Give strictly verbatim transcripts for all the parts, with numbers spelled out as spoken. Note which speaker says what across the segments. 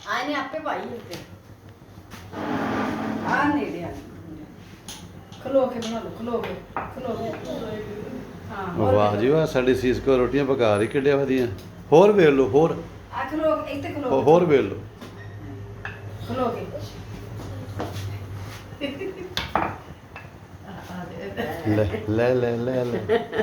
Speaker 1: ਆਏ ਨੇ ਆਪੇ ਭਾਈ ਉੱਤੇ ਆ ਨੇੜੇ ਆ ਖਲੋ ਕੇ ਬਣਾ ਲਓ ਖਲੋ ਕੇ ਖਲੋ ਕੇ ਹਾਂ ਹੋਰ
Speaker 2: ਵਾਹ ਜੀ ਵਾਹ, ਸਾਡੀ ਸੀਸ ਕੋ ਰੋਟੀਆਂ ਪਕਾ ਰਹੀ ਕਿੱਡੇ ਵਧੀਆ। ਹੋਰ ਵੇਖ ਲਓ, ਹੋਰ
Speaker 1: ਆ ਖਲੋ ਕੇ ਇੱਥੇ ਖਲੋ
Speaker 2: ਹੋ-
Speaker 1: ਕੇ
Speaker 2: ਹੋਰ ਵੇਖ ਲਓ।
Speaker 1: ਖਲੋ ਕੇ
Speaker 2: ਲੈ ਲੈ ਲੈ ਲੈ ਲੈ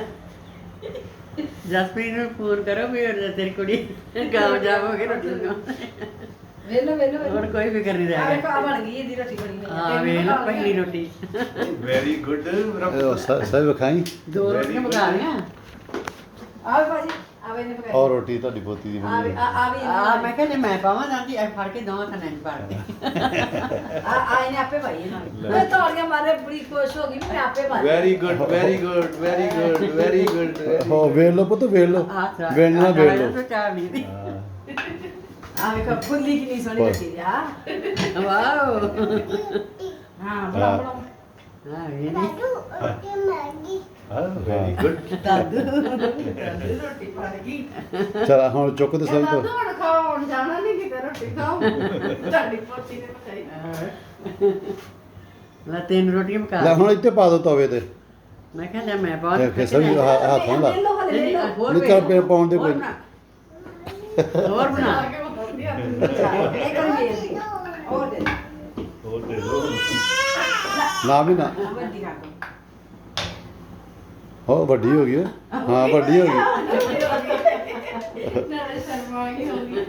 Speaker 3: ਜਸਪ੍ਰੀਤ ਨੂੰ ਫੋਨ ਕਰੋ ਵੀ ਉਹ ਤੇਰੀ ਕੁੜੀ ਕਾਮਯਾਬ ਹੋ ਗਈ ਰੋਟੀ ਨੂੰ।
Speaker 1: ਵੇਲੋ ਵੇਲੋ
Speaker 3: ਹੋਰ ਕੋਈ ਫਿਕਰ ਨਹੀਂ
Speaker 1: ਆ
Speaker 3: ਰਹਿ
Speaker 1: ਵੇਖੋ
Speaker 3: ਗਿਆ।
Speaker 1: ਆ ਬਣ ਗਈ ਇਹਦੀ ਰੋਟੀ ਬਣੀ ਹੋਈ ਹੈ।
Speaker 3: ਹਾਂ ਵੇਖ ਲਓ ਪਹਿਲੀ ਰੋਟੀ
Speaker 4: ਵੈਰੀ ਗੁੱਡ
Speaker 2: ਸਭ ਖਾਈ।
Speaker 3: ਦੋ ਰੋਟੀਆਂ ਪਕਾ ਲਈਆਂ।
Speaker 1: ਆ ਵੇ ਭਾਜੀ ਆ ਵੇ ਨੇ ਪਕਾਈ
Speaker 2: ਔਰ ਰੋਟੀ ਤੁਹਾਡੀ ਪੋਤੀ ਦੀ
Speaker 1: ਆ ਵੀ
Speaker 2: ਬਣੀ
Speaker 1: ਆ ਆ ਵੀ
Speaker 3: ਆ ਮੈਂ ਕਹਿੰਦੀ ਮੈਂ ਪਾਵਾਂ ਜਾਂਦੀ ਐ ਫੜ ਕੇ ਦੋਵਾਂ ਥਾਂ ਨਹੀਂ ਪਾੜਦੇ।
Speaker 1: ਆ ਆ ਇਹਨੇ ਆਪੇ ਭਾਈ ਇਹਨਾਂ ਮੈਂ ਤਾੜੀਆਂ ਮਾਰੇ ਬੜੀ ਖੁਸ਼ ਹੋ ਗਈ ਵੀ ਮੈਂ ਆਪੇ ਭਾਈ
Speaker 4: very good very good very good very good
Speaker 2: ਹੋ ਵੇਖ ਲਓ ਪੁੱਤ, ਵੇਖ ਲਓ,
Speaker 3: ਆ
Speaker 2: ਵੇਖਣਾ ਵੇਖ ਲਓ।
Speaker 3: ਚਾਹ ਨਹੀਂ ਦੀ
Speaker 1: ਆ ਵੇਖੋ ਫੁੱਲੀ ਕਿੰਨੀ ਸੋਹਣੀ ਰੱਖੀ ਦੀ ਆ
Speaker 3: ਵਾਓ
Speaker 1: ਹਾਂ ਬੜਾ ਬੜਾ
Speaker 3: ਹਾਂ ਇਹ ਨਹੀਂ
Speaker 4: ਹਾਂ ਵੈਰੀ ਗੁੱਡ
Speaker 3: ਦਾਦੂ
Speaker 1: ਰੋਟੀ ਬਣ ਗਈ
Speaker 2: ਚਲ ਹੁਣ ਚੁੱਕ ਤੇ ਸਭ ਤੋਂ
Speaker 1: ਦਾਦੂ ਹੁਣ ਖਾਣ ਜਾਣਾ ਨਹੀਂ ਕਿਤੇ ਰੋਟੀ ਖਾਓ ਤੁਹਾਡੀ ਪੋਤੀ ਨੇ ਪਕਾਈ
Speaker 3: ਲੈ ਤਿੰਨ ਰੋਟੀਆਂ ਪਕਾ
Speaker 2: ਲੈ ਹੁਣ ਇੱਥੇ ਪਾ ਦੋ ਤਵੇ ਤੇ।
Speaker 3: ਮੈਂ ਕਿਹਾ ਲੈ ਮੈਂ ਬਹੁਤ
Speaker 2: ਇਹ ਫਿਰ ਸਭ ਹੱਥ ਨਾਲ ਲਾ।
Speaker 1: ਲੈ ਲਓ ਹਲੇ ਲੈ ਲਓ
Speaker 3: ਹੋਰ
Speaker 2: ਨਹੀਂ ਚੱਲ ਪੇ ਪਾਉਣ ਦੇ
Speaker 3: ਹੋਰ
Speaker 2: ਕੋਈ।
Speaker 3: ਬਣਾ। ਹੋਰ ਬਣਾ
Speaker 1: ਇਹ ਕਰ ਮੇਰੀ ਹੋਰ ਦੇ
Speaker 4: ਹੋਰ ਦੇ ਦੋ
Speaker 2: ਨਾ ਵੀ ਨਾ
Speaker 1: ਵੱਡੀ ਕਰ ਦੋ
Speaker 2: ਹੋ ਵੱਡੀ ਹੋ ਗਈ ਓਏ। ਹਾਂ ਵੱਡੀ ਹੋ ਗਈ।
Speaker 1: ਨਾਲੇ ਸ਼ਰਮਾ ਗਈ ਹੋ ਗਈ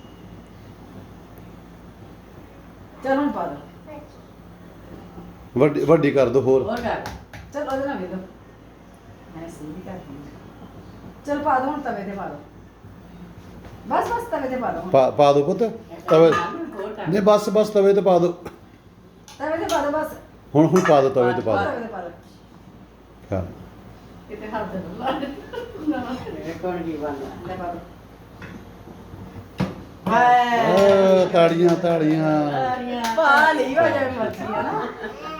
Speaker 1: ਚਲ ਹੁਣ ਪਾ ਦੋ
Speaker 2: ਵੱਡੀ ਵੱਡੀ ਕਰ ਦੋ ਹੋਰ।
Speaker 3: ਹੋਰ ਕਰ
Speaker 1: ਚਲ ਉਹਦੇ ਨਾਲ ਵੇਲੋ ਮੈਂ ਸਹੀ ਵੀ ਕਰਦੀ ਚਲ ਪਾ ਦੋ ਹੁਣ ਤਵੇ ਤੇ ਪਾ ਦੋ ਬਸ ਬਸ ਤਵੇ ਤੇ ਪਾ ਦੋ ਹੁਣ।
Speaker 2: ਪਾ ਪਾ ਦੋ ਪੁੱਤ ਤਵੇ।
Speaker 3: ਹੋਰ ਕਰ
Speaker 2: ਨਹੀਂ ਬਸ ਬਸ ਤਵੇ ਤੇ ਪਾ ਦੋ।
Speaker 1: ਤਵੇ ਤੇ ਪਾ ਦੋ ਬਸ
Speaker 2: ਹੁਣ ਹੁਣ ਪਾ ਦੋ ਤਵੇ ਤੇ ਪਾ ਦੋ।
Speaker 1: ਤਵੇ ਤੇ ਪਾ ਦੋ
Speaker 2: ਹਾਂ
Speaker 1: ਕਿਤੇ ਹੱਥ ਨਾ ਲਾ
Speaker 3: ਮੇਰੇ ਕੋਲ ਕੀ ਬਣਦਾ
Speaker 1: ਲੈ ਪਾ ਦੋ
Speaker 2: ਓ ਤਾੜੀਆਂ ਤਾੜੀਆਂ।
Speaker 1: ਪਾ ਲਈ ਹੋ ਜਾਵੇ ਮਰਜ਼ੀ ਹੈ ਨਾ